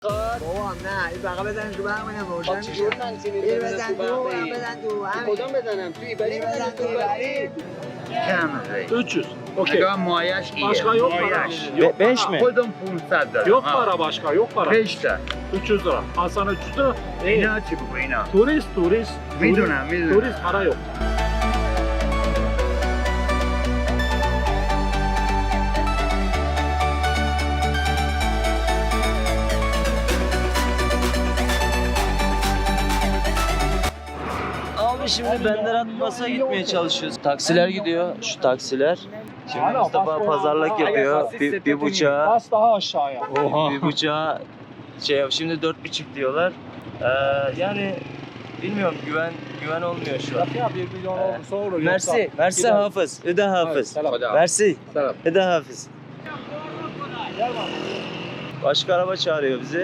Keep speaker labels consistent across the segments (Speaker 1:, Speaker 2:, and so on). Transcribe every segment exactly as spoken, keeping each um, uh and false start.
Speaker 1: بابا نه این بقیه بزن تو برق منم روشن میشه این بزن تو اونم بزن تو همین
Speaker 2: کدام بزنم توی بری بزن تو بری
Speaker 3: چند
Speaker 4: üç yüz. Okey.
Speaker 3: نگاه مایش ایه
Speaker 4: Başka yok para.
Speaker 3: مایش
Speaker 4: Yok
Speaker 5: beş
Speaker 4: para.
Speaker 5: mi?
Speaker 3: خودم پونصد دارم
Speaker 4: Yok
Speaker 3: ha.
Speaker 4: para başka, yok para.
Speaker 3: beş تا
Speaker 4: üç yüz lira. Al sana üç yüz lira. İyi.
Speaker 3: اینا چی بگو اینا
Speaker 4: Turist, turist.
Speaker 3: میدونم
Speaker 4: Turist,
Speaker 3: میدونم
Speaker 4: turist para yok.
Speaker 5: Abi şimdi Benderat Bas'a gitmeye çalışıyoruz. Taksiler gidiyor, şu taksiler. Şimdi Mustafa pazarlık yapıyor. Bir, bir buçuğa,
Speaker 4: Bas daha aşağıya.
Speaker 5: bir buçuğa şey şimdi dört buçuk diyorlar. Ee, yani bilmiyorum güven güven olmuyor şu an.
Speaker 4: Ya bir milyon
Speaker 5: Ee,
Speaker 4: olursa olur.
Speaker 5: Mersi, Mersi
Speaker 4: gider.
Speaker 5: Hafız, Hüda Hafız.
Speaker 4: selam.
Speaker 5: Mersi,
Speaker 3: Selam.
Speaker 5: Hüda Hafız. Başka araba çağırıyor bizi.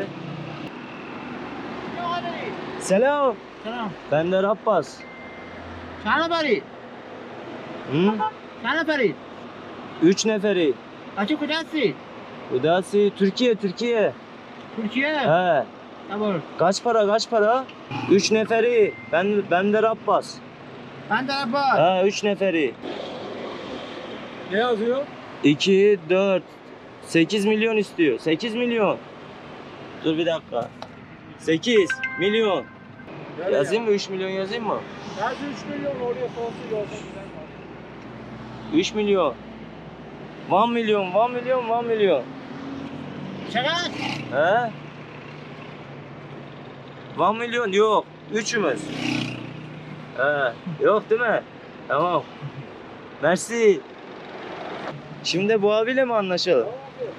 Speaker 5: Selam.
Speaker 1: سلام
Speaker 5: Bender Abbas.
Speaker 1: چند نفری؟
Speaker 5: Hı?
Speaker 1: چند نفری؟
Speaker 5: Üç neferi.
Speaker 1: بچه کجا هستی؟
Speaker 5: Hüdasi Türkiye, Türkiye.
Speaker 1: ترکیه؟
Speaker 5: He.
Speaker 1: نبار
Speaker 5: Kaç para, kaç para? Üç neferi. Ben Bender Abbas.
Speaker 1: من در عباس
Speaker 5: He, üç neferi.
Speaker 4: Ne yazıyor?
Speaker 5: iki, dört, sekiz milyon istiyor. sekiz milyon. Dur bir dakika. sekiz milyon. Yazayım mı? üç milyon yazayım mı?
Speaker 4: Her üç milyon oraya sonsuz olsa güzel.
Speaker 5: üç milyon. bir milyon, bir milyon, bir milyon.
Speaker 1: چقدر؟
Speaker 5: He? bir milyon yok. Üçümüz. He. Yok değil mi? Tamam. Mersi. Şimdi bu abiyle mi anlaşalım?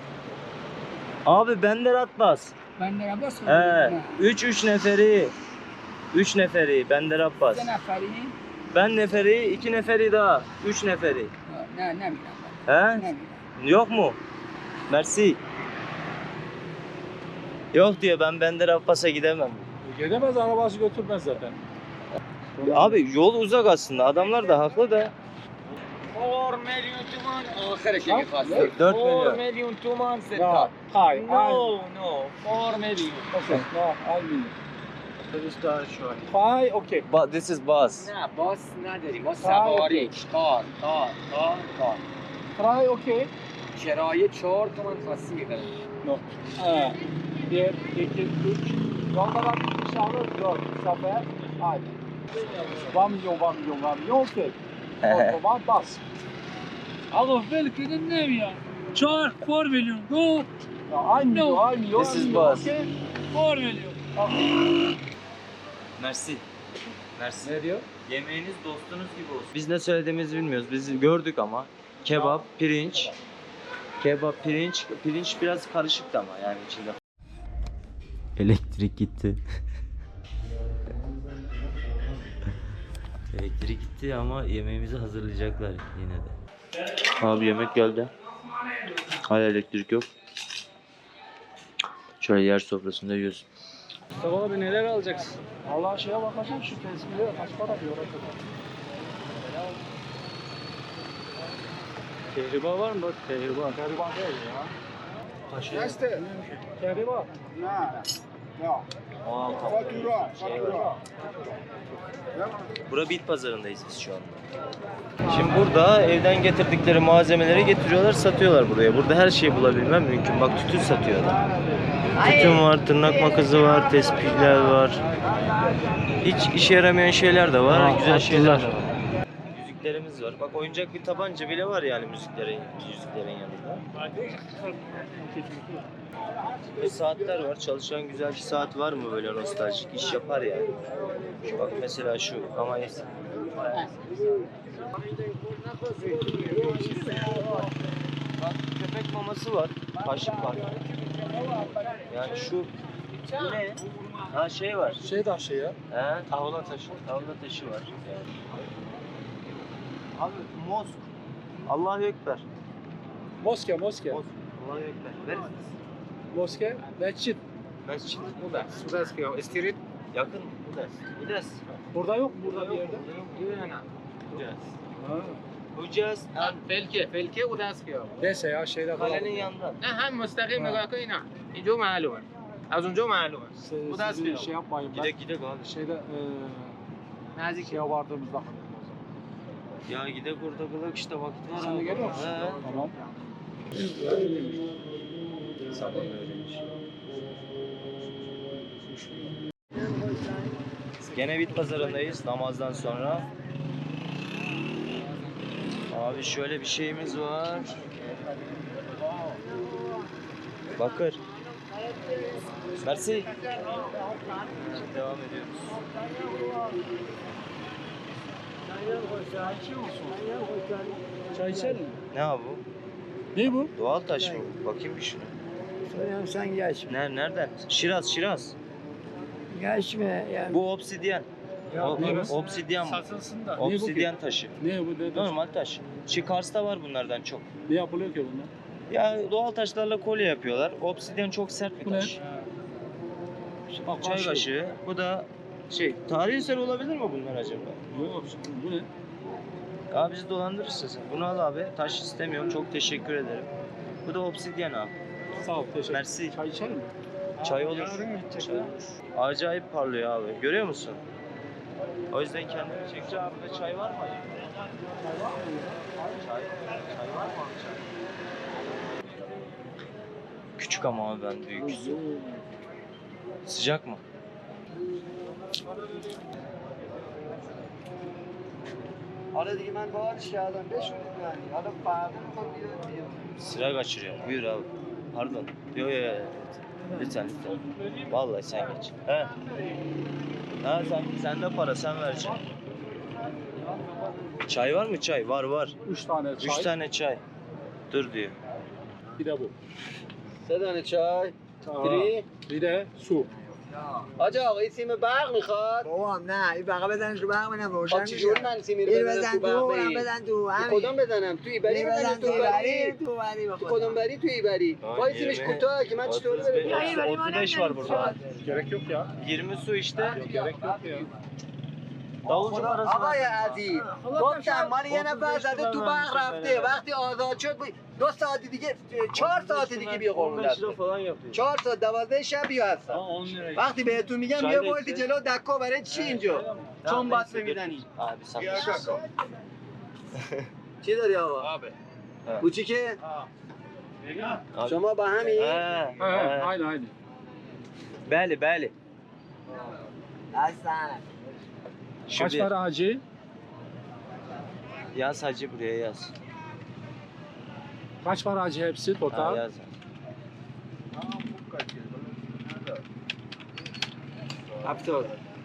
Speaker 5: Abi Bender Abbas.
Speaker 1: من در عباس
Speaker 5: He. Üç üç neferi. Üç neferi. Bender Abbas.
Speaker 1: سه نفری؟
Speaker 5: Ben neferi, iki neferi daha. Üç neferi.
Speaker 1: نه نمیدم
Speaker 5: He?
Speaker 1: نمیدم
Speaker 5: Yok mu? Mersi. Yok diyor, ben Bender Abbas'a gidemem.
Speaker 4: Gidemez, arabası götürmez zaten.
Speaker 5: Abi yol uzak aslında. Adamlar da haklı da.
Speaker 2: چهار میلیون تومان آخرش اگه خواستی
Speaker 5: dört
Speaker 2: چهار
Speaker 5: milyon.
Speaker 2: میلیون تومان سه
Speaker 4: No,
Speaker 2: تا
Speaker 4: hayır.
Speaker 2: نو نو چهار میلیون
Speaker 4: Okay, no, almayayım. Fine, okay.
Speaker 5: But this is bus.
Speaker 2: نه باس نداریم ما
Speaker 4: آه،
Speaker 2: سواری کار کار کار کار
Speaker 4: Try, okay.
Speaker 2: کرایه چهار تومن خواستی میدارم
Speaker 4: No. Ha. Bir, iki, üç. Rondadan bir şey alır, dört. Sefer, haydi. Bir milyon, bir milyon, bir milyon, okay. O zaman bas.
Speaker 6: آقا ول کنه نمیاد چهار چهار میلیون دو
Speaker 4: Ya aynı milyon, aynı milyon,
Speaker 5: This
Speaker 4: aynı
Speaker 5: is
Speaker 4: milyon,
Speaker 5: bus.
Speaker 4: okay.
Speaker 6: چهار میلیون
Speaker 5: Mersi. Mersi.
Speaker 4: Ne diyor?
Speaker 5: Yemeğiniz dostunuz gibi olsun. Biz ne söylediğimizi bilmiyoruz. Biz gördük ama. Kebap, pirinç. Kebap, pirinç. Pirinç biraz karışıktı ama yani içinde. Elektrik gitti. Elektrik gitti ama yemeğimizi hazırlayacaklar yine de. Abi yemek geldi. Hala elektrik yok. Şöyle yer sofrasında yiyoruz.
Speaker 4: Mustafa abi neler alacaksın? Allah şeye bakacağım, şu tezgahı kaç para diyor oraya kadar. Kehribar var mı? Bak kehribar. Kehribar değil ya. Taşı. Neste? Kehribar. Ne? Ya.
Speaker 5: Aa,
Speaker 4: Fatura.
Speaker 5: Şey var. Bura bit pazarındayız biz şu anda. Şimdi burada evden getirdikleri malzemeleri getiriyorlar, satıyorlar buraya. Burada her şeyi bulabilmem mümkün. Bak tütün satıyorlar. Tütün var, tırnak makası var, tespihler var. Hiç işe yaramayan şeyler de var, güzel şeyler de var. Müziklerimiz var. Bak oyuncak bir tabanca bile var yani müziklerin, müziklerin yanında. Ve saatler var. Çalışan güzel bir saat var mı böyle nostaljik? İş yapar yani. Şu bak mesela şu ama eski. Bak köpek maması var. Kaşık var. Yani şu bu ne? Ha şey var.
Speaker 4: Şey taşı ya.
Speaker 5: He? Tavla taşı. Tavla taşı var. Abi mosk. Allahu Ekber.
Speaker 4: Moske, moske.
Speaker 5: Mosk. Allahu Ekber. Ver.
Speaker 4: Moske, mescit.
Speaker 5: Mescid.
Speaker 2: خوبه سودسکی ها استریت
Speaker 5: Yakın mı? Udes. Udes.
Speaker 4: Burada yok mu? Burada bir yerde.
Speaker 2: نه
Speaker 5: Udes.
Speaker 4: Ha.
Speaker 5: Udes.
Speaker 2: فلکه فلکه او دست کیا
Speaker 4: Neyse ya şeyler falan.
Speaker 5: Kalenin yanında.
Speaker 2: نه هم مستقیم نگاه کن نه اینجا معلومه از اونجا معلومه.
Speaker 4: Siz,
Speaker 2: Bu da
Speaker 4: sizi
Speaker 2: Aspinall.
Speaker 4: şey yapmayın ben.
Speaker 5: Gidek gidek abi.
Speaker 4: Şeyde e,
Speaker 2: Nazik.
Speaker 4: şeye vardığımızda kalalım o zaman.
Speaker 5: Ya gidek orada kılak işte vakit var
Speaker 4: Sen de
Speaker 5: abi.
Speaker 4: geliyor musun?
Speaker 5: He.
Speaker 4: Tamam.
Speaker 5: Sabah öğrenmiş. Gene bit pazarındayız namazdan sonra. Abi şöyle bir şeyimiz var. Bakır. Mersi. Devam ediyoruz.
Speaker 4: Çay içelim mi?
Speaker 5: Ne abi bu?
Speaker 4: Ne bu?
Speaker 5: Doğal taş mı? Bakayım bir şuna.
Speaker 1: Soyam sen geçme.
Speaker 5: Ner nereden? Şiraz, Şiraz.
Speaker 1: Geçme yani.
Speaker 5: Bu obsidyen. O,
Speaker 4: neresi?
Speaker 5: obsidyen bu.
Speaker 6: Satılsın da.
Speaker 5: Obsidyen taşı.
Speaker 4: Ne bu? Ne,
Speaker 5: Normal taş. Şu Kars'ta var bunlardan çok.
Speaker 4: ne yapılıyor ki bunlar?
Speaker 5: Ya doğal taşlarla kolye yapıyorlar. Obsidyen çok sert bir
Speaker 4: Bu ne?
Speaker 5: taş.
Speaker 4: Bak,
Speaker 5: Çay kaşığı. Bu da şey, tarihi eser olabilir mi bunlar acaba?
Speaker 4: Yok bu ne?
Speaker 5: Abi bizi dolandırırsın sen. Bunu al abi. Taş istemiyorum. Çok teşekkür ederim. Bu da obsidyen abi.
Speaker 4: Sağ ol teşekkür.
Speaker 5: Mersi.
Speaker 4: Çay içelim mi?
Speaker 5: Çay olur. Çay olur. Acayip parlıyor abi. Görüyor musun? O yüzden kendimi çekeceğim. Abi de çay var mı? Çay, çay var mı abi çay? Küçük ama abi ben büyük. Sıcak mı?
Speaker 1: Hatta دیگه من بارش کردم بشورید yani. Hatta فردا میخواد بیاد بیاد.
Speaker 5: Sıra kaçırıyor. Buyur abi. Pardon. Yok yok yok. Lütfen lütfen. Vallahi sen geç. He. Ha sen sende para sen vereceksin. Çay var mı çay? Var var.
Speaker 4: Üç tane çay.
Speaker 5: Üç tane çay. Dur diyor.
Speaker 4: Bir de bu.
Speaker 1: سه دانه چای.
Speaker 4: Tamam. Bir de su.
Speaker 1: آجا آقا این سیم برق میخواد بابام نه این بقا بزنش رو برق منم روشن
Speaker 2: خب چجوری من سیمی رو
Speaker 1: این
Speaker 2: بزنم
Speaker 1: بزن
Speaker 2: تو
Speaker 1: تو
Speaker 2: برق
Speaker 1: اونم
Speaker 2: بری؟
Speaker 1: بزن تو همین
Speaker 2: کدوم بزنم؟ تو ایبری
Speaker 1: این
Speaker 2: بزنم
Speaker 1: بزن
Speaker 2: تو
Speaker 1: تو
Speaker 2: ایبری؟
Speaker 1: بری تو بری
Speaker 2: تو
Speaker 1: بخدا
Speaker 2: کدوم بری تو ایبری؟
Speaker 5: آه،
Speaker 2: وای سیمش
Speaker 5: یه
Speaker 2: کوتاه که من چطور
Speaker 5: otuz beş
Speaker 2: برم؟
Speaker 5: otuz beş var burada.
Speaker 4: Gerek yok ya.
Speaker 5: yirmi su işte.
Speaker 4: Gerek yok ya.
Speaker 5: Davulcu parası var.
Speaker 2: آقای عزیز گفتم مال یه نفر زده تو برق رفته وقتی آزاد شد دو ساعت دیگه چهار ساعت دیگه بیا قربون
Speaker 5: on beş lira
Speaker 2: دستت.
Speaker 5: falan yapıyor.
Speaker 2: چهار ساعت دوازده شب بیا هستم
Speaker 6: on lira.
Speaker 2: وقتی بهتون میگم
Speaker 5: چای
Speaker 2: یه
Speaker 5: دکتر.
Speaker 2: بولتی جلو دکا برای چی اینجا چون بسته میزنی
Speaker 5: Abi sen.
Speaker 2: چی داری آقا
Speaker 5: Abi.
Speaker 2: کوچیکه شما با همین
Speaker 5: He,
Speaker 4: He,
Speaker 5: he.
Speaker 4: aynı aynı.
Speaker 5: Bəli, bəli.
Speaker 1: هستن
Speaker 5: Şu
Speaker 4: Kaç
Speaker 5: bir.
Speaker 4: para hacı?
Speaker 5: Yaz hacı buraya yaz.
Speaker 4: Kaç para hacı hepsi
Speaker 5: Ha,
Speaker 4: total?
Speaker 5: yaz.
Speaker 2: هفتاد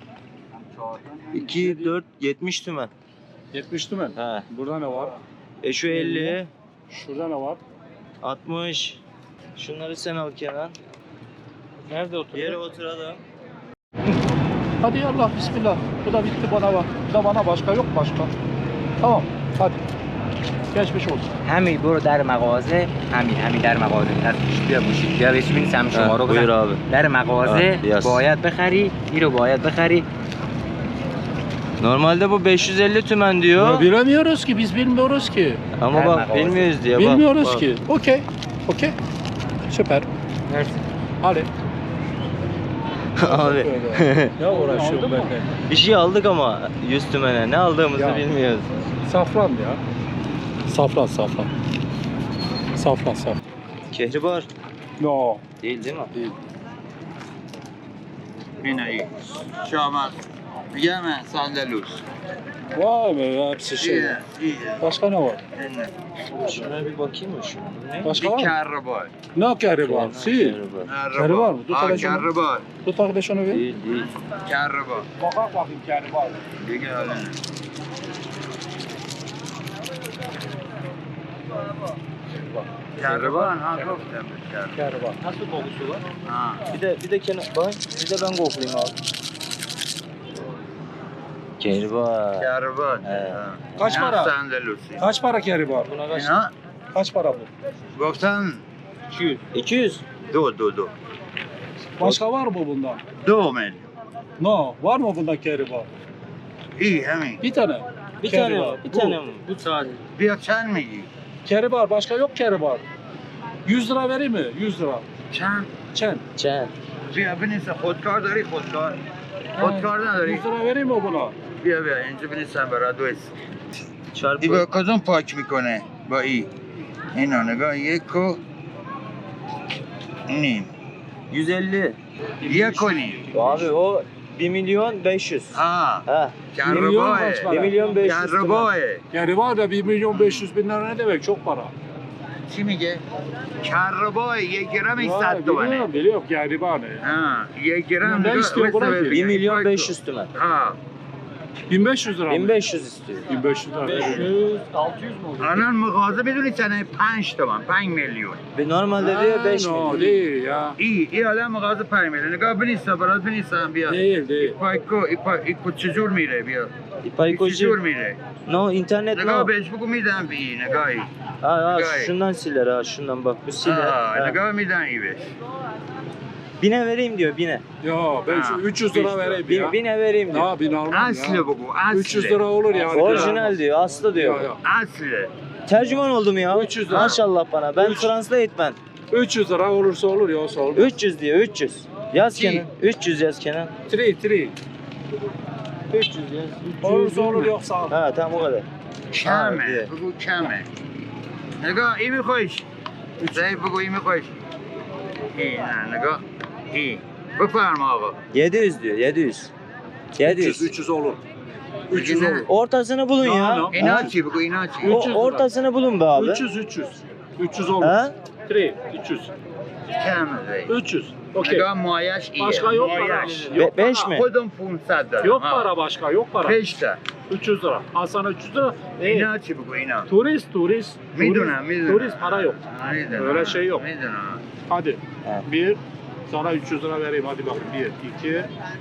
Speaker 5: iki, dört, yetmiş tümen.
Speaker 4: yetmiş tümen.
Speaker 5: He.
Speaker 4: Burada ne var?
Speaker 5: E şu elli,
Speaker 4: Şurada ne var?
Speaker 5: altmış. Şunları sen al Kenan.
Speaker 4: Nerede oturuyor?
Speaker 5: Yere oturalım.
Speaker 4: Hadi yallah bismillah. Bu da bitti bana bak. Bu da bana başka yok başka. Tamam hadi. Geçmiş olsun.
Speaker 7: همین برو در مغازه همین همین در مغازه از پیش بیا گوشی بیا بهش ببین سهم شما رو
Speaker 5: Buyur
Speaker 7: بزن
Speaker 5: abi.
Speaker 7: در مغازه
Speaker 5: آه، یس.
Speaker 7: باید بخری این رو باید بخری
Speaker 5: Normalde bu beş yüz elli tümen
Speaker 4: Ya
Speaker 5: diyor.
Speaker 4: bilemiyoruz ki biz bilmiyoruz ki.
Speaker 5: Ama
Speaker 7: Her
Speaker 5: bak
Speaker 7: mağaza.
Speaker 5: bilmiyoruz diye. bak,
Speaker 4: Bilmiyoruz
Speaker 5: bak.
Speaker 4: ki. Okey. Okey. Süper.
Speaker 7: Mersi.
Speaker 4: Hadi.
Speaker 5: Abi.
Speaker 4: Ya uğraşıyorum ben de.
Speaker 5: Bir şey aldık ama yüz tümene. Ne aldığımızı
Speaker 4: Ya.
Speaker 5: bilmiyoruz.
Speaker 4: Safran ya. Safran safran. Safran safran.
Speaker 5: Kehribar.
Speaker 4: No.
Speaker 5: Değil değil mi?
Speaker 4: Değil.
Speaker 2: اینه ای شامت میگم سندلوس
Speaker 4: Vay be hepsi şey.
Speaker 2: ایه ایه
Speaker 4: Başka ne var?
Speaker 5: Şuna bir bakayım mı şu? Ne?
Speaker 4: Başka
Speaker 2: این
Speaker 4: var mı?
Speaker 2: کربار
Speaker 4: Ne keribar? Si.
Speaker 5: Kehribar.
Speaker 2: کربار
Speaker 4: مو؟ دو تا
Speaker 2: آه
Speaker 4: لشون.
Speaker 2: کربار
Speaker 4: Tut arkadaş onu bir.
Speaker 5: Değil değil.
Speaker 2: کربار
Speaker 4: Bakak bakayım keribar.
Speaker 2: دیگه حالا نه. کربار ها گفتم بهت کربار
Speaker 4: Keribar.
Speaker 5: Nasıl kokusu var?
Speaker 2: ها
Speaker 5: Bir de bir de kenar bak bir de ben koklayayım abi. Kehribar.
Speaker 2: کربار
Speaker 5: اه.
Speaker 2: ها.
Speaker 4: Kaç
Speaker 2: نه
Speaker 4: para?
Speaker 2: سندلوسی
Speaker 4: Kaç para keribar?
Speaker 5: Buna kaç?
Speaker 2: اینا
Speaker 4: Kaç para bu?
Speaker 2: گفتن
Speaker 4: iki yüz.
Speaker 5: iki yüz.
Speaker 2: دو دو دو
Speaker 4: Başka var mı bundan?
Speaker 2: دو میلیون
Speaker 4: No. Var mı bundan keribar?
Speaker 2: ای همین
Speaker 4: Bir tane.
Speaker 5: Bir tane
Speaker 4: Keribar.
Speaker 5: mi? Bir
Speaker 4: Bu.
Speaker 5: tane mi?
Speaker 6: Bu sadece.
Speaker 2: بیا چند میگی
Speaker 4: Keribar. Başka yok keribar. yüz lira vereyim mi? yüz lira.
Speaker 2: چند
Speaker 4: Çen.
Speaker 5: Çen.
Speaker 3: بیا بنویسم خودکار داری خودکار خودکار نداری
Speaker 4: yüz lira vereyim mi buna?
Speaker 3: بیا بیا اینجا بنویسم برات دوست
Speaker 5: Çarpı.
Speaker 3: این با کدوم پاک میکنه با ای اینا نگاه یک و نیم
Speaker 5: yüz elli.
Speaker 3: یک و نیم
Speaker 5: Abi o bir milyon beş yüz.
Speaker 3: ها
Speaker 5: Ha.
Speaker 3: کرباه
Speaker 4: kaç para?
Speaker 5: bir milyon beş yüz.
Speaker 3: کرباه
Speaker 4: Yani var da bir milyon beş yüz bin lira ne demek? Çok para.
Speaker 3: چی میگه؟ کرباه یک گرمش
Speaker 4: Vay,
Speaker 3: صد تومنه
Speaker 4: biliyorum, biliyorum yani var ne?
Speaker 3: ها یک گرم
Speaker 4: Ne
Speaker 3: نگاه،
Speaker 4: istiyor
Speaker 3: وایسا
Speaker 4: buna ki?
Speaker 3: ببین.
Speaker 5: bir milyon beş yüz tümen.
Speaker 3: ها
Speaker 4: bin beş yüz lira mı?
Speaker 5: bin beş yüz istiyor.
Speaker 4: bin beş yüz lira. beş yüz, altı yüz mu oluyor?
Speaker 3: الان مغازه میدونی چنه پنج تومن پنج میلیون
Speaker 5: Ve normalde diyor beş
Speaker 4: no,
Speaker 5: milyon.
Speaker 4: değil ya.
Speaker 3: ای ای الان مغازه پنج میلیون نگاه بنویسم برات بنویسم بیا
Speaker 4: Değil, değil.
Speaker 3: پایکو ای پا ایکو چجور میره بیا ای
Speaker 5: İpaykocu.
Speaker 3: چجور میره
Speaker 5: No internet
Speaker 3: نگاه
Speaker 5: no.
Speaker 3: بهش بگو میدم به این نگاهی
Speaker 5: Ha, ha
Speaker 3: Gayet.
Speaker 5: şundan siler ha şundan bak bu siler.
Speaker 3: آه
Speaker 5: Ha.
Speaker 3: نگاه میدم ای بهش
Speaker 5: Bine vereyim diyor bine.
Speaker 4: Yo ben şu
Speaker 3: Ha,
Speaker 4: üç yüz
Speaker 3: beş
Speaker 4: lira
Speaker 3: lira.
Speaker 4: vereyim
Speaker 5: Bin,
Speaker 4: ya.
Speaker 5: bine vereyim diyor.
Speaker 4: Ya bin almam
Speaker 3: اصل
Speaker 4: ya.
Speaker 3: بگو
Speaker 4: üç yüz
Speaker 3: اصل
Speaker 4: lira olur yani.
Speaker 5: Orijinal diyor aslı diyor.
Speaker 4: Ya, ya.
Speaker 3: اصل
Speaker 5: Tercüman oldum ya.
Speaker 4: üç yüz lira.
Speaker 5: Maşallah bana. Ben
Speaker 4: Üç-
Speaker 5: translate ben.
Speaker 4: üç yüz lira olursa olur yoksa olmaz.
Speaker 5: üç yüz diyor üç yüz. Yaz
Speaker 3: İki.
Speaker 5: Kenan. üç yüz yaz Kenan.
Speaker 4: Three, three.
Speaker 5: üç yüz yaz.
Speaker 4: Olursa olur yoksa olmaz.
Speaker 5: Ha tamam o kadar.
Speaker 3: کمه
Speaker 5: دیگه.
Speaker 3: بگو کمه نگاه ای میخوایش زهی بگو ای میخوایش ای نه نگاه ای بفرما آقا
Speaker 5: yedi yüz diyor yedi yüz. yedi
Speaker 4: üç yüz,
Speaker 5: yüz.
Speaker 4: üç yüz olur. üç yüz
Speaker 3: Ne?
Speaker 4: olur.
Speaker 5: Ortasını bulun
Speaker 4: No,
Speaker 5: ya.
Speaker 4: no.
Speaker 3: اینا
Speaker 5: Ha?
Speaker 3: چی بگو اینا چی
Speaker 5: O,
Speaker 4: üç yüz lira.
Speaker 5: ortasını bulun be abi.
Speaker 4: üç yüz, üç yüz. üç yüz olur.
Speaker 5: Ha?
Speaker 4: Three, üç yüz.
Speaker 3: کم زهی
Speaker 4: üç yüz. Okey.
Speaker 3: نگاه مایش ایه
Speaker 4: Başka yok para.
Speaker 3: مایش
Speaker 4: Yok
Speaker 5: Be- beş
Speaker 4: para.
Speaker 5: mi?
Speaker 3: خودم پونصد دارم
Speaker 4: Yok
Speaker 3: ها.
Speaker 4: para başka, yok para.
Speaker 3: پشت تا
Speaker 4: üç yüz lira. Al sana üç yüz lira. E,
Speaker 3: اینا چی بگو اینا
Speaker 4: turist, turist.
Speaker 3: میدونم
Speaker 4: turist,
Speaker 3: میدونم
Speaker 4: Turist para yok.
Speaker 3: میدونم
Speaker 4: Öyle şey yok.
Speaker 3: میدونم
Speaker 4: Hadi.
Speaker 5: Evet.
Speaker 4: Bir. Sana üç yüz lira vereyim hadi bakın. Bir, iki.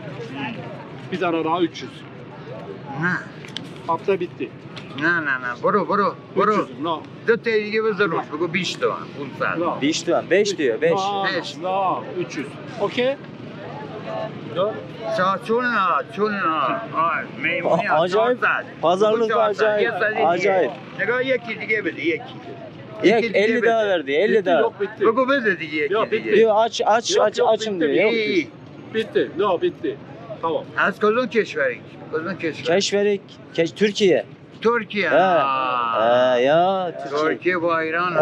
Speaker 4: Bir tane daha üç yüz.
Speaker 3: نه
Speaker 4: Hafta bitti.
Speaker 3: نه نه نه برو برو برو
Speaker 4: üç yüz. No.
Speaker 3: دو تا دیگه بذار روش بگو بیش تومن پونصد
Speaker 4: No.
Speaker 5: beş diyor. beş diyor beş.
Speaker 4: No,
Speaker 3: Beş.
Speaker 4: no. üç yüz. Okey. Dört.
Speaker 3: چا- چون نه چون نه آه میمونی
Speaker 5: آ- acayip.
Speaker 3: چهارصد.
Speaker 5: Pazarlık
Speaker 3: بگو چهارصد.
Speaker 5: acayip.
Speaker 3: یه صد دیگه.
Speaker 5: Acayip.
Speaker 3: نگاه یکی دیگه بده یکی
Speaker 5: Yek
Speaker 3: دیگه
Speaker 5: elli
Speaker 3: بده.
Speaker 5: daha verdi elli
Speaker 4: Bitti,
Speaker 5: daha.
Speaker 4: yok bitti.
Speaker 3: بگو بده دیگه یکی
Speaker 4: یا،
Speaker 3: دیگه
Speaker 5: Diyor aç aç
Speaker 4: Yok,
Speaker 5: aç
Speaker 4: yok,
Speaker 5: açım
Speaker 4: bitti,
Speaker 5: diyor. Yok.
Speaker 3: ای
Speaker 4: Bitti. No bitti. Tamam.
Speaker 3: از کدوم کشوری کدوم کشور
Speaker 5: Keşferik. Keş Türkiye.
Speaker 3: ترکیه
Speaker 5: Ha.
Speaker 3: آه.
Speaker 5: Ha, ya Türkiye.
Speaker 3: ترکیه با ایران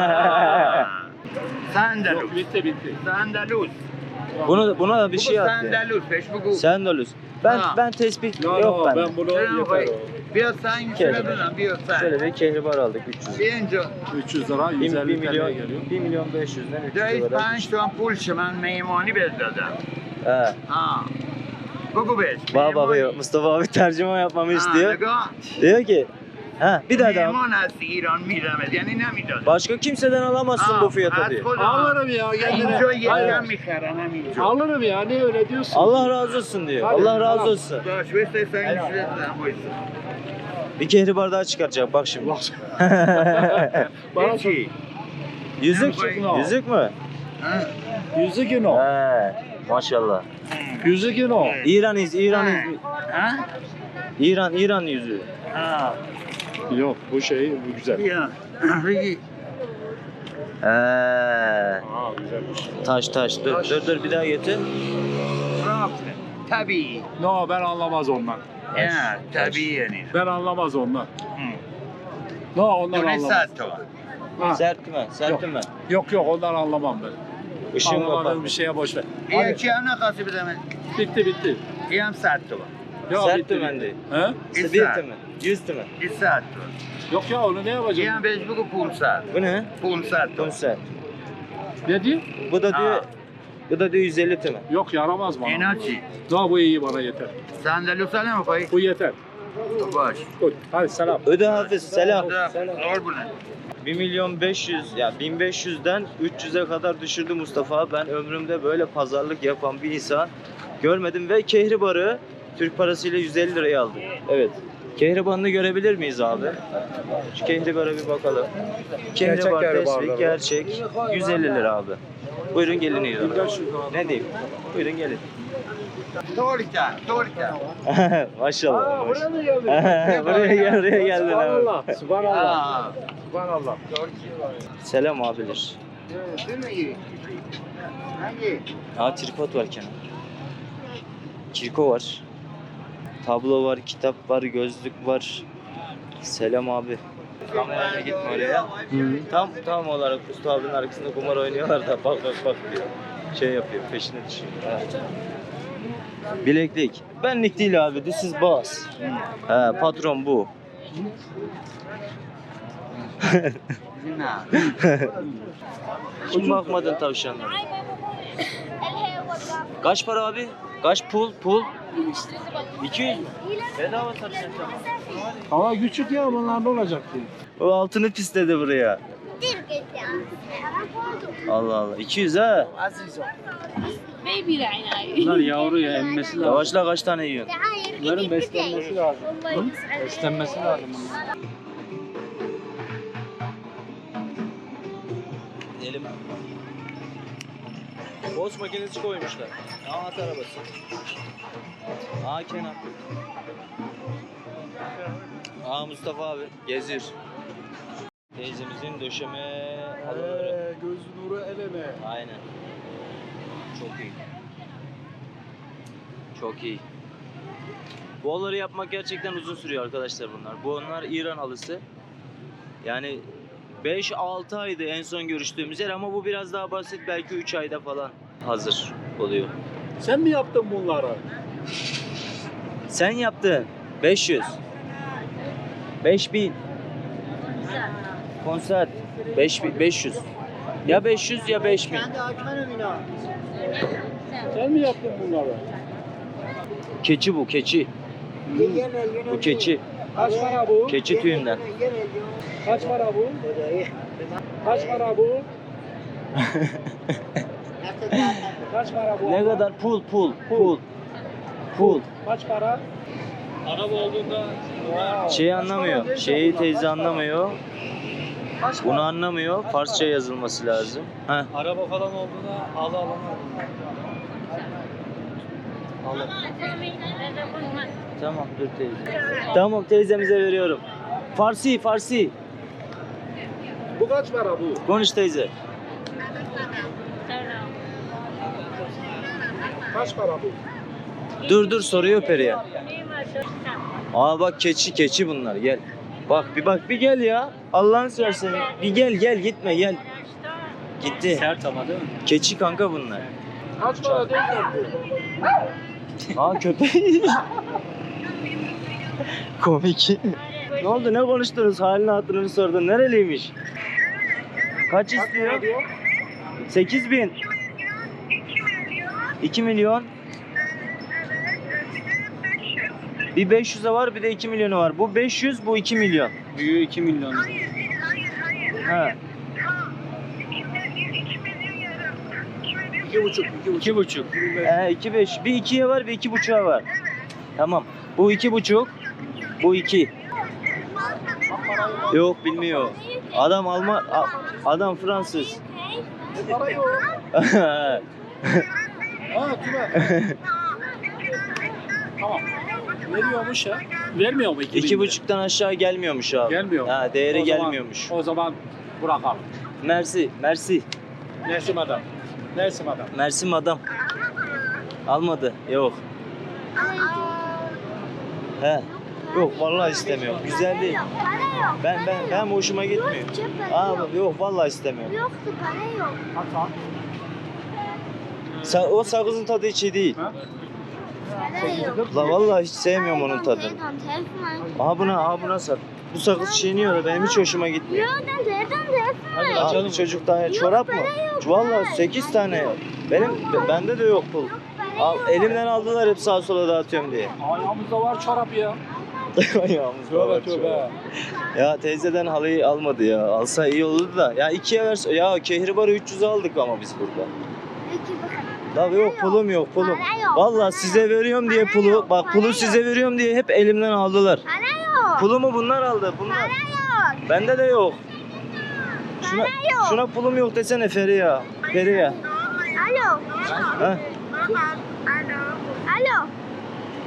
Speaker 3: سندلوس
Speaker 4: Yok bitti bitti.
Speaker 3: سندلوس
Speaker 5: Bunu buna da bir
Speaker 3: بگو
Speaker 5: şey at. ya.
Speaker 3: سندلوس بهش بگو
Speaker 5: Sendolus. Ben
Speaker 3: Ha.
Speaker 5: ben tespit
Speaker 4: No,
Speaker 5: yok
Speaker 4: no,
Speaker 5: bende.
Speaker 4: ben bunu
Speaker 3: چرا
Speaker 4: yeter
Speaker 3: می‌خوای؟
Speaker 4: o.
Speaker 3: بیا سنگ
Speaker 5: Kere.
Speaker 3: شده بدم بیا سنگ
Speaker 5: Şöyle bir kehribar aldık üç yüz.
Speaker 3: بیا اینجا
Speaker 4: üç yüz lira
Speaker 5: bir,
Speaker 4: yüz
Speaker 5: bir
Speaker 4: elli
Speaker 5: milyon
Speaker 4: TL'ye geliyor.
Speaker 5: bir milyon beş yüzden üç
Speaker 3: جایی
Speaker 5: yüz kadar.
Speaker 3: پنج تومن پول شه من میمانی بهت دادم
Speaker 5: He.
Speaker 3: ها بگو بهش
Speaker 5: Baba
Speaker 3: میهمانی.
Speaker 5: bakıyor. Mustafa abi tercüme yapmamı
Speaker 3: ها،
Speaker 5: istiyor.
Speaker 3: نگاه
Speaker 5: Diyor ki ha bir daha daha.
Speaker 3: میهمان هستی ایران میدمت یعنی نمیدادم
Speaker 5: Başka kimseden alamazsın bu fiyata diyor.
Speaker 4: Alırım ya kendine.
Speaker 3: اینجا یکم
Speaker 4: Hayır.
Speaker 3: میخرم همینجا
Speaker 4: Alırım ya ne öyle diyorsun?
Speaker 5: Allah razı olsun diyor.
Speaker 4: Hadi,
Speaker 5: Allah razı
Speaker 4: tamam.
Speaker 5: olsun.
Speaker 3: باش بسته سنگ شده بدم وایسا.
Speaker 5: Bir kehribar daha çıkaracak bak şimdi.
Speaker 4: Bana
Speaker 3: هیچی
Speaker 5: Yüzük.
Speaker 3: Yok.
Speaker 5: Yüzük mü?
Speaker 3: ها؟
Speaker 4: yüzük yine o.
Speaker 5: He. Maşallah.
Speaker 4: Yüzük yine o.
Speaker 5: İran iz, İran iz.
Speaker 3: ها؟
Speaker 5: İran, İran yüzüğü.
Speaker 3: ها
Speaker 4: Yok bu şey bu güzel.
Speaker 3: بیا بگی
Speaker 5: He.
Speaker 4: Aa güzelmiş.
Speaker 5: Taş taş. Dur dur dur bir daha getir.
Speaker 3: رافته طبیعی
Speaker 4: No ben anlamaz ondan.
Speaker 3: نه طبیعی یعنی
Speaker 4: Ben anlamaz ondan.
Speaker 3: هم.
Speaker 4: No ondan
Speaker 3: دونه
Speaker 4: anlamaz.
Speaker 3: صد تومن
Speaker 4: Ha.
Speaker 5: Sert mi? Sert mi?
Speaker 4: Yok yok ondan anlamam ben.
Speaker 5: Işığın
Speaker 4: Anlamadığım
Speaker 5: kapat.
Speaker 4: bir şeye boş ver.
Speaker 3: این
Speaker 4: Hadi.
Speaker 3: یکی هم نخواستی بدم
Speaker 4: Bitti bitti.
Speaker 3: این هم صد تومن
Speaker 4: Ya,
Speaker 5: Sert
Speaker 4: bitti,
Speaker 5: mi
Speaker 4: bitti.
Speaker 5: bende?
Speaker 4: He?
Speaker 3: این
Speaker 5: Bir
Speaker 3: صد
Speaker 5: mi? Yüz mi?
Speaker 3: این صد تومن
Speaker 4: Yok ya onu ne
Speaker 3: این
Speaker 4: yapacağım?
Speaker 3: هم بهش بگو پونصد
Speaker 5: Bu ne?
Speaker 3: پونصد
Speaker 5: Bu
Speaker 3: تومن
Speaker 5: sert.
Speaker 4: Ne diyor?
Speaker 5: Bu da diyor,
Speaker 3: Ha.
Speaker 5: bu da diyor yüz elli mi?
Speaker 4: Yok yaramaz bana.
Speaker 3: اینا چی؟
Speaker 4: No bu iyi bana yeter.
Speaker 3: صندلیوسا نمیخوای؟
Speaker 4: Bu yeter.
Speaker 3: باش
Speaker 4: Koy. Hadi selam.
Speaker 5: Öde Hafiz, selam.
Speaker 3: قربونه
Speaker 5: bir milyon beş yüz, ya bin beş yüzden üç yüze kadar düşürdü Mustafa. Ben ömrümde böyle pazarlık yapan bir insan görmedim ve kehribarı Türk parasıyla yüz elli liraya aldım. Evet. Kehribarını görebilir miyiz abi? Şu kehribara bir bakalım. Kehribar tespih gerçek yüz elli lira abi. Buyurun gelin iyi. Ne diyeyim? Buyurun gelin.
Speaker 3: طوری کرد طوری کرد
Speaker 5: Maşallah.
Speaker 4: Buraya mı geldin?
Speaker 5: Buraya gel, buraya geldin abi.
Speaker 4: Subhanallah. Subhanallah.
Speaker 3: آه.
Speaker 4: Subhanallah.
Speaker 5: Selam abiler.
Speaker 3: چی میگیری؟
Speaker 1: Hangi?
Speaker 5: Aa tripod var Kenan. Kirko var. Tablo var, kitap var, gözlük var. Selam abi. Kamerayla gitme oraya. Tam tam olarak Usta abinin arkasında kumar oynuyorlar da bak bak bak diyor. Şey yapıyor, peşine düşüyor. Evet. Bileklik. Benlik değil abi, this is boss. He, patron bu.
Speaker 1: Bizim abi.
Speaker 5: Şimdi bakmadın tavşanlara. Kaç para abi? Kaç pul? Pul? iki yüz mü? Bedava satacağım.
Speaker 4: Hava küçük ya bunlar ne olacak diye.
Speaker 5: O altını pisledi buraya. Allah Allah. iki yüz ha.
Speaker 6: Bunlar yavru ya emmesi lazım.
Speaker 5: Yavaşla kaç tane yiyorsun?
Speaker 6: Bunların beslenmesi lazım. Beslenmesi lazım bunların.
Speaker 5: Gidelim. Boz makinesi koymuşlar. Aa at arabası. Aa Kenan. Aa Mustafa abi geziyor. Teyzemizin döşeme halıları.
Speaker 4: Göz nuru eleme.
Speaker 5: Aynen. Çok iyi. Çok iyi. Bu halıları yapmak gerçekten uzun sürüyor arkadaşlar bunlar. Bu onlar İran halısı. Yani beş altı aydı en son görüştüğümüz yer ama bu biraz daha basit, belki üç ayda falan hazır oluyor.
Speaker 4: Sen mi yaptın bunları?
Speaker 5: Sen yaptın. beş yüz. beş bin. Konser. beş bin, beş yüz. Ya beş yüz ya beş bin.
Speaker 4: Sen mi yaptın bunları?
Speaker 5: Keçi bu, keçi. Bu keçi.
Speaker 4: Kaç para bu?
Speaker 5: Keçi tüyünden.
Speaker 4: Kaç para bu? Kaç para bu? Kaç para bu?
Speaker 5: Ne kadar? Pul, pul, pul. Pul.
Speaker 4: Kaç para?
Speaker 6: Araba olduğunda
Speaker 5: Şeyi anlamıyor. Şeyi teyze anlamıyor. Bunu anlamıyor. Farsça yazılması lazım. Heh.
Speaker 6: araba falan olduğunda halı alamam.
Speaker 5: Tamam dur teyze. Tamam teyzemize veriyorum. Farsi, Farsi.
Speaker 4: Bu kaç para bu?
Speaker 5: Konuş teyze.
Speaker 4: Kaç para bu?
Speaker 5: Dur dur soruyor Peri'ye. Aa bak keçi keçi bunlar gel. Bak bir bak bir gel ya. Allah'ını seversen bir gel gel gitme gel. Gitti.
Speaker 6: Sert ama değil mi?
Speaker 5: Keçi kanka bunlar.
Speaker 4: Kaç para değil bu?
Speaker 5: Aa köpek. Komik. Ne oldu ne konuştunuz? Halini hatırını sordun. Nereliymiş? Kaç istiyor? sekiz bin. iki milyon. Bir beş yüze var bir de iki milyonu var. Bu beş yüz bu iki milyon.
Speaker 6: Büyüğü iki milyon.
Speaker 5: Ha.
Speaker 4: İki buçuk, iki buçuk.
Speaker 6: İki buçuk.
Speaker 5: Ee, iki beş. Bir ikiye var bir iki buçuğa var. Tamam. Bu iki buçuk. Bu iki. Yok bilmiyor. Adam Alman, a- adam Fransız.
Speaker 4: Para yok. Ha kime? Tamam. Veriyormuş ya.
Speaker 6: Vermiyor mu iki
Speaker 5: İki
Speaker 6: bin?
Speaker 5: buçuktan aşağı gelmiyormuş abi.
Speaker 6: Gelmiyor mu?
Speaker 5: Ha, değeri
Speaker 6: O zaman-
Speaker 5: gelmiyormuş.
Speaker 6: O zaman bırakalım.
Speaker 5: Mersi, Mersi.
Speaker 4: Nersim adam. Nersim adam.
Speaker 5: Mersi madam. Almadı. Yok. He. Yok vallahi istemiyorum. Güzel değil. Ben ben ben hoşuma gitmiyor. Abi yok vallahi istemiyorum.
Speaker 8: Yoktu, para yok.
Speaker 5: Sa- o sakızın tadı hiç iyi değil.
Speaker 8: Para yok.
Speaker 5: La vallahi hiç sevmiyorum onun tadını.
Speaker 8: Telefon, telefon.
Speaker 5: Aha buna, aha buna sat. Bu sakız çiğniyor da benim hiç hoşuma gitmiyor.
Speaker 8: Yok, telefon, telefon.
Speaker 5: Abi çocuk daha çorap mı? Vallahi sekiz tane. Benim bende de yok pul. Al, elimden aldılar hep sağa sola dağıtıyorum diye.
Speaker 4: Ayağımızda var çorap ya.
Speaker 5: Ayağımız
Speaker 4: Tövbe
Speaker 5: var,
Speaker 4: tövbe.
Speaker 5: Ya teyzeden halıyı almadı ya. Alsa iyi olurdu da. Ya ikiye verse. Ya kehribarı üç yüze aldık ama biz burada.
Speaker 8: İki
Speaker 5: La yok pulum yok pulum.
Speaker 8: Para yok,
Speaker 5: Vallahi
Speaker 8: para
Speaker 5: size veriyorum diye
Speaker 8: Para
Speaker 5: pulu.
Speaker 8: yok,
Speaker 5: Bak
Speaker 8: para
Speaker 5: pulu
Speaker 8: yok.
Speaker 5: size veriyorum diye hep elimden aldılar.
Speaker 8: Para yok.
Speaker 5: Pulumu bunlar aldı. Bunlar.
Speaker 8: Para yok.
Speaker 5: Bende de yok. Şuna,
Speaker 8: Para yok.
Speaker 5: şuna pulum yok desene Feriha. Feriha.
Speaker 8: Alo.
Speaker 5: Ha?
Speaker 8: Alo.